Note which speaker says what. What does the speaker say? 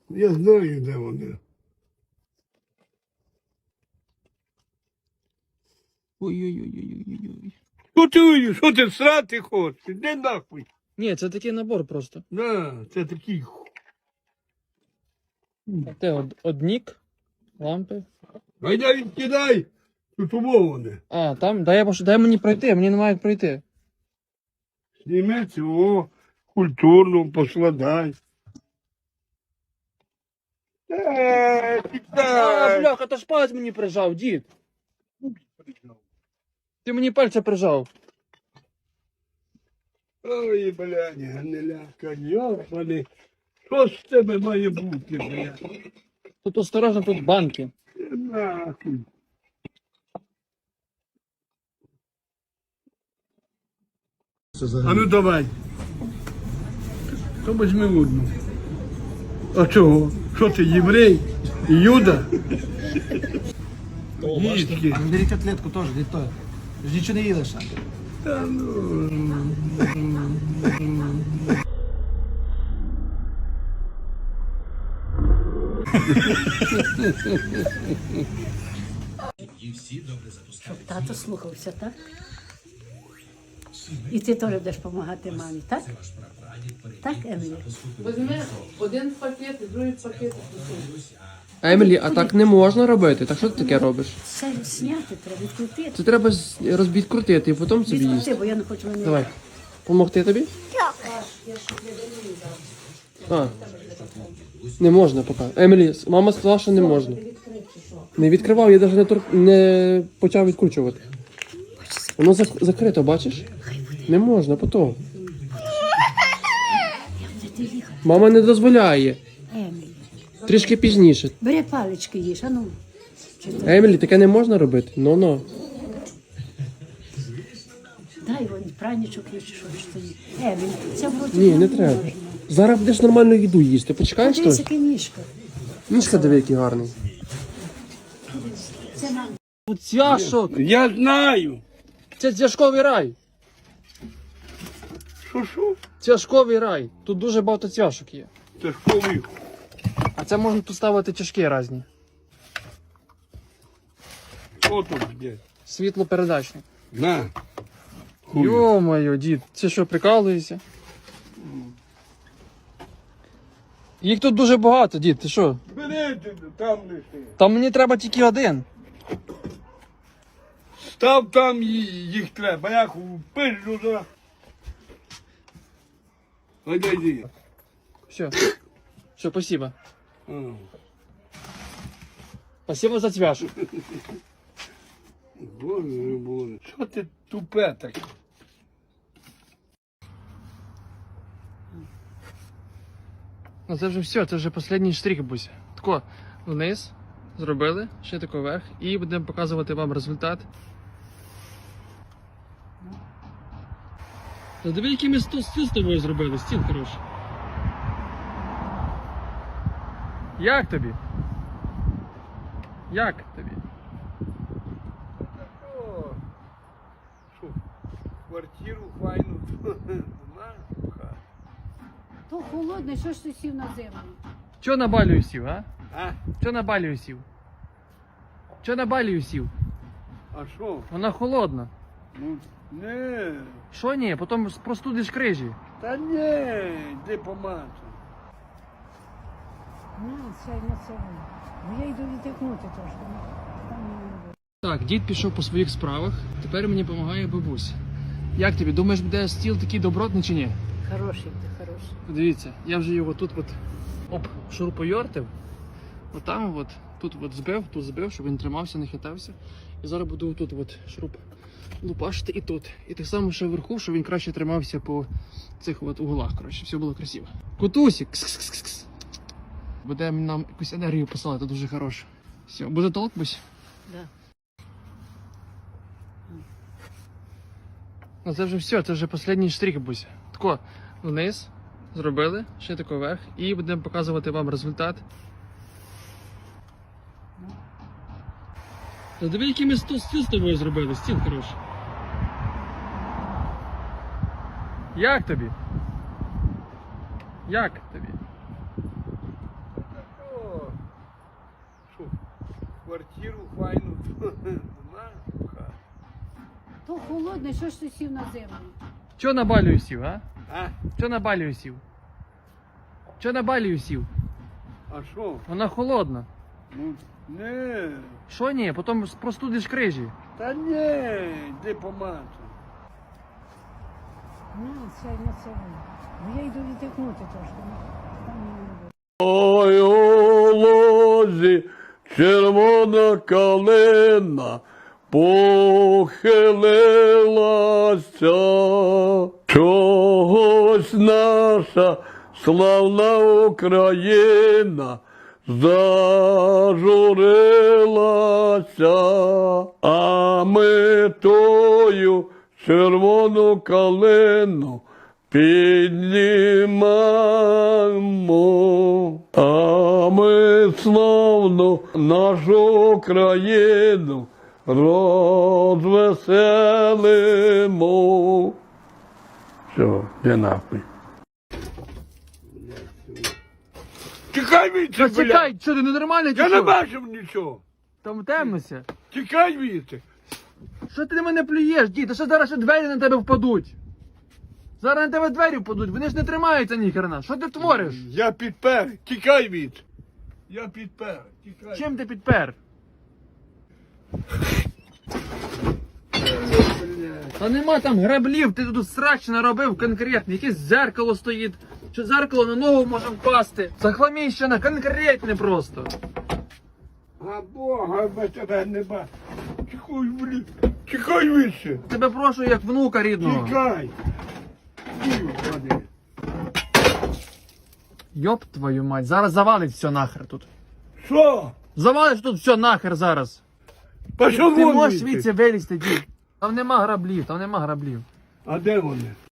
Speaker 1: Я знаю, де вони.
Speaker 2: Ой-ой-ой-ой-ой-ой.
Speaker 1: Що ти срати хочеш? Іди нахуй.
Speaker 2: Ні, це такий набор просто.
Speaker 1: На, це такий.
Speaker 2: Те однік, лампи.
Speaker 1: Гайда відкидай. Тут умоване.
Speaker 2: А, там, дай мені пройти, мені немає як пройти.
Speaker 1: Зніми цього, культурно поскладай.
Speaker 2: А,
Speaker 1: Тікай.
Speaker 2: бляха, то ж палець мені прижав, дід. Ти мені пальця прижав.
Speaker 1: Ой, блядь, гниляка, йобаний. Що з тебе має бути, блядь?
Speaker 2: Тут осторожно, тут банки.
Speaker 1: Нахуй. А ну давай. То візьми одну. А чого? Що ти, єврей? Юда? Дітки.
Speaker 3: Бери котлетку теж, від того. Ж нічого не їдеш.
Speaker 1: Та ну.
Speaker 4: Щоб тато слухався, так? І ти теж будеш допомагати мамі, так? Так, Емілі?
Speaker 5: Візьми один пакет і другий пакет.
Speaker 2: Емілі, а так не можна робити. Так що ти таке робиш?
Speaker 4: Це зняти треба, відкрутити.
Speaker 2: Це треба відкрутити і потім собі їсти.
Speaker 4: Відкрути, бо я не хочу мене.
Speaker 2: Давай. Помогти тобі? А. Не можна поки. Емілі, мама сказала, що не можна. Не відкривав, я навіть не почав відкручувати. Воно закрито, бачиш? Не можна, потім. Мама не дозволяє.
Speaker 4: Емілі,
Speaker 2: Трішки пізніше.
Speaker 4: бери палички їж, а ну.
Speaker 2: Емілі, таке не можна робити. Ну-ну.
Speaker 4: Дай вон пранічок є, чи що ж тобі. Емілі, це вроді
Speaker 2: Ні, не треба. Зараз будеш нормальну їду їсти. Почекаєш
Speaker 4: Подивись,
Speaker 2: щось?
Speaker 4: який ніжка.
Speaker 2: Ніжка диви, який гарний.
Speaker 4: Це нам.
Speaker 2: Цвяшок!
Speaker 1: Я знаю.
Speaker 2: Це цвяшковий рай.
Speaker 1: Що?
Speaker 2: Цвяшковий рай. Тут дуже багато цвяшок є.
Speaker 1: Це ж коли?
Speaker 2: А це можна тут ставити чашки різні.
Speaker 1: Що тут де?
Speaker 2: Світлопередачний.
Speaker 1: На. Хуй.
Speaker 2: Йо-моє, дід, це що, прикалуєшся? Їх тут дуже багато, дід, ти що?
Speaker 1: Бери ти, там лиши.
Speaker 2: Там мені треба тільки один.
Speaker 1: Став там їх треба, як у пизду за. Гайда йди.
Speaker 2: Все. Все, спасибо.
Speaker 1: А.
Speaker 2: Спасибо за цвяшок.
Speaker 1: Боже. Що ти тупе таке?
Speaker 2: Ну це вже все, це вже останній штрих, Буся. Тако, вниз, зробили, ще тако вверх, і будемо показувати вам результат. Та диви, який ми стіл з тобою зробили, стіл хороший. Як тобі? Як тобі?
Speaker 1: Що? Квартиру файну.
Speaker 4: То холодне, що ж ти сів на землю?
Speaker 2: Чо на балію сів, а?
Speaker 1: А?
Speaker 2: Чо на балію сів? Чо на балію сів?
Speaker 1: А що?
Speaker 2: Вона холодна.
Speaker 1: Ну, не.
Speaker 2: Що ні? Потім простудиш крижі.
Speaker 1: Та ні, йди помацай.
Speaker 4: Ну, це не це. Бо я йду відтикнути трошки. Там не буде.
Speaker 2: Так, дід пішов по своїх справах, тепер мені допомагає бабуся. Як тобі, думаєш, буде стіл такий добротний чи ні?
Speaker 4: Хороший ти, хороший.
Speaker 2: Дивіться, я вже його тут шурупойортив, отам тут збив, щоб він тримався, не хитався. І зараз буду тут шуруп лупашити і тут. І так само ще вверху, щоб він краще тримався по цих углах, коротше, все було красиво. Котусік! Кс-кс-кс-кс. Буде нам якусь енергію посилати, дуже хороше. Все, буде толк, Бусь?
Speaker 4: Да.
Speaker 2: Ну це вже все, це вже останній штрих, Буся. Тако, вниз, зробили, ще тако вверх, і будемо показувати вам результат. Та диви, який ми стіл з тобою зробили, стіл хороший. Як тобі? Як тобі?
Speaker 1: квартиру файну. Знаєш, хата.
Speaker 4: То холодне, що ж ти сів на землю?
Speaker 2: Чого на балію сів, а?
Speaker 1: А?
Speaker 2: Чого на балію сів? Чого на балію сів?
Speaker 1: А що?
Speaker 2: Вона холодна.
Speaker 1: Ну, не.
Speaker 2: Що ні? Потім простудиш крижі.
Speaker 1: Та ні, йди помати.
Speaker 4: Сядь на це. Бо я йду віддихнути трошки. Там мені не буде.
Speaker 1: Ой, у лозі червона калина похилилася. Чогось наша славна Україна зажурилася, а ми тою червону калину піднімаємо, а ми славну нашу країну розвеселимо. Все, я нахуй. Тікай від
Speaker 2: Та чекай, що ти ненормальний чи
Speaker 1: Я не
Speaker 2: що?
Speaker 1: бачив нічого.
Speaker 2: Там темнося.
Speaker 1: Тікай від.
Speaker 2: Що ти на мене плюєш, дід? Та що зараз ще двері на тебе впадуть? Зараз на тебе двері впадуть, вони ж не тримаються ніхрена. Що ти твориш?
Speaker 1: Я підпер. Тікай від. Я підпер. Тікай.
Speaker 2: Чим ти підпер? Та нема там граблів, ти тут срач наробив конкретно. Якесь зеркало стоїть. Що зеркало на ногу може впасти. Захламіщена, конкретне просто.
Speaker 1: А Бога без тебе не бачу. Тікай, блін. Тікай вище.
Speaker 2: Тебе прошу як внука рідного.
Speaker 1: Тікай. Дівчата.
Speaker 2: Йоп твою мать, зараз завалить все нахер тут.
Speaker 1: Що?
Speaker 2: Завалиш тут все нахер зараз.
Speaker 1: Пішов
Speaker 2: Ти
Speaker 1: вон
Speaker 2: можеш
Speaker 1: звідси.
Speaker 2: звідси вилізти, дід. Там нема граблів, там нема граблів.
Speaker 1: А де вони?